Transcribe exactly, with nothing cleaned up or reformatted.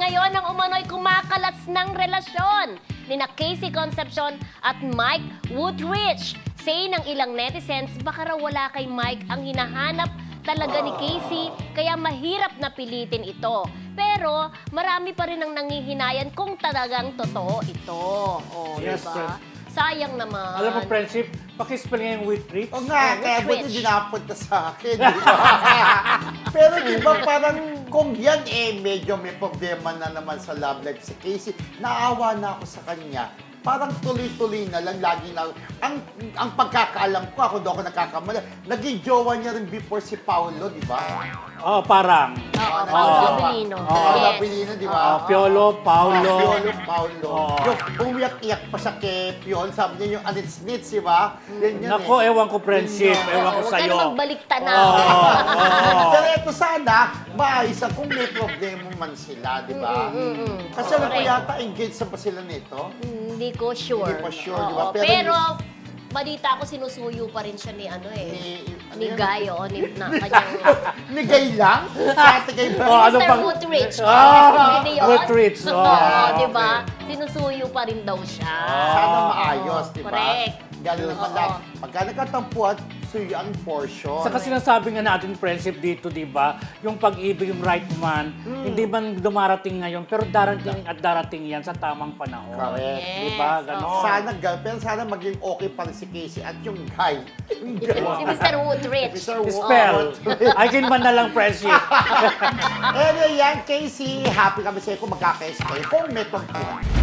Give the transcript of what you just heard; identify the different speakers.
Speaker 1: ngayon ng umano'y kumakalas ng relasyon ni na Casey Concepcion at Mike Woodrich. Say ng ilang netizens, baka raw wala kay Mike ang hinahanap talaga ni Casey, kaya mahirap na pilitin ito. Pero marami pa rin ang nangihinayan kung talagang totoo ito. O,
Speaker 2: Yes,
Speaker 1: diba?
Speaker 2: friend.
Speaker 1: Sayang naman.
Speaker 2: Alam mo, friendship, pakispell nga yung with rich.
Speaker 3: O nga,
Speaker 1: Oh,
Speaker 3: kaya
Speaker 1: which
Speaker 3: buti
Speaker 1: rich?
Speaker 3: dinapunta sa akin, di ba? Pero di ba parang kung yan eh medyo may problema na naman sa love life si Casey, naawa na ako sa kanya. Parang tuloy-tuloy na lang, lagi na, ang, ang pagkakaalam ko, ako doon ako nagkakamali, naging jowa niya rin before si Paolo, di ba?
Speaker 2: Oh, parang.
Speaker 1: Oo,
Speaker 3: Ah,
Speaker 1: Paolo
Speaker 3: naging
Speaker 1: Abilino.
Speaker 3: jowa. Paolo
Speaker 1: Yes.
Speaker 3: Abilino, di
Speaker 2: Ah,
Speaker 3: ba?
Speaker 2: Piolo, Paulo.
Speaker 3: Ah, Piolo, Paolo.
Speaker 2: Oo.
Speaker 3: Yung umiyak-iyak pa siya kay Piolo, sabi niya yung anits-nits, di ba? Yan yun
Speaker 2: Nako,
Speaker 3: eh.
Speaker 2: ewan ko, friendship.
Speaker 3: Mm.
Speaker 2: Ewan ko
Speaker 1: Huwag
Speaker 2: sa'yo.
Speaker 1: ka na magbalikta na.
Speaker 2: Oo, oo.
Speaker 3: Pero ito sana, maayos ang kung may problema man sila, di ba?
Speaker 1: Mm-mm.
Speaker 3: Kasi alam ko
Speaker 1: Correct.
Speaker 3: yata engaged na ba sila nito?
Speaker 1: Hindi ko sure.
Speaker 3: Hindi pa sure,
Speaker 1: Oo,
Speaker 3: di ba? Pero-
Speaker 1: Pero, balita ko sinusuyo pa rin siya ni ano eh.
Speaker 3: Ni, ano
Speaker 1: Ni
Speaker 3: yan?
Speaker 1: Guy, o ni na, kanyang...
Speaker 3: Ni Gay lang? Ate Gay ba?
Speaker 2: Oh, ano
Speaker 1: Mister
Speaker 2: pang-
Speaker 1: Woodrich.
Speaker 2: Ah,
Speaker 1: Pwede yun?
Speaker 2: Woodrich, oh,
Speaker 1: Oo, di
Speaker 2: okay.
Speaker 1: ba? Sinusuyo pa rin daw siya.
Speaker 3: Sana maayos, di ba?
Speaker 1: Correct.
Speaker 3: Gano'n naman
Speaker 1: Oo.
Speaker 3: lang. Pagka nagkatampuan, suyo ang portion.
Speaker 2: Saka sinasabi nga natin, friendship dito, di ba? Yung pag-ibig, yung right man,
Speaker 3: Hmm.
Speaker 2: hindi man dumarating ngayon, pero darating at darating yan sa tamang panahon.
Speaker 3: Correct.
Speaker 1: Yes.
Speaker 2: Di ba? Ganon.
Speaker 3: Sana, gal- pero sana maging okay pa rin si Casey at yung guy. Yung guy.
Speaker 1: Si Mister Woodrich.
Speaker 3: Mister Wo-
Speaker 2: Spell. I can man na lang, friendship.
Speaker 3: Anyway, yan, Casey, happy kami sa'yo kung magkakais kayo. Kung may pagpunan.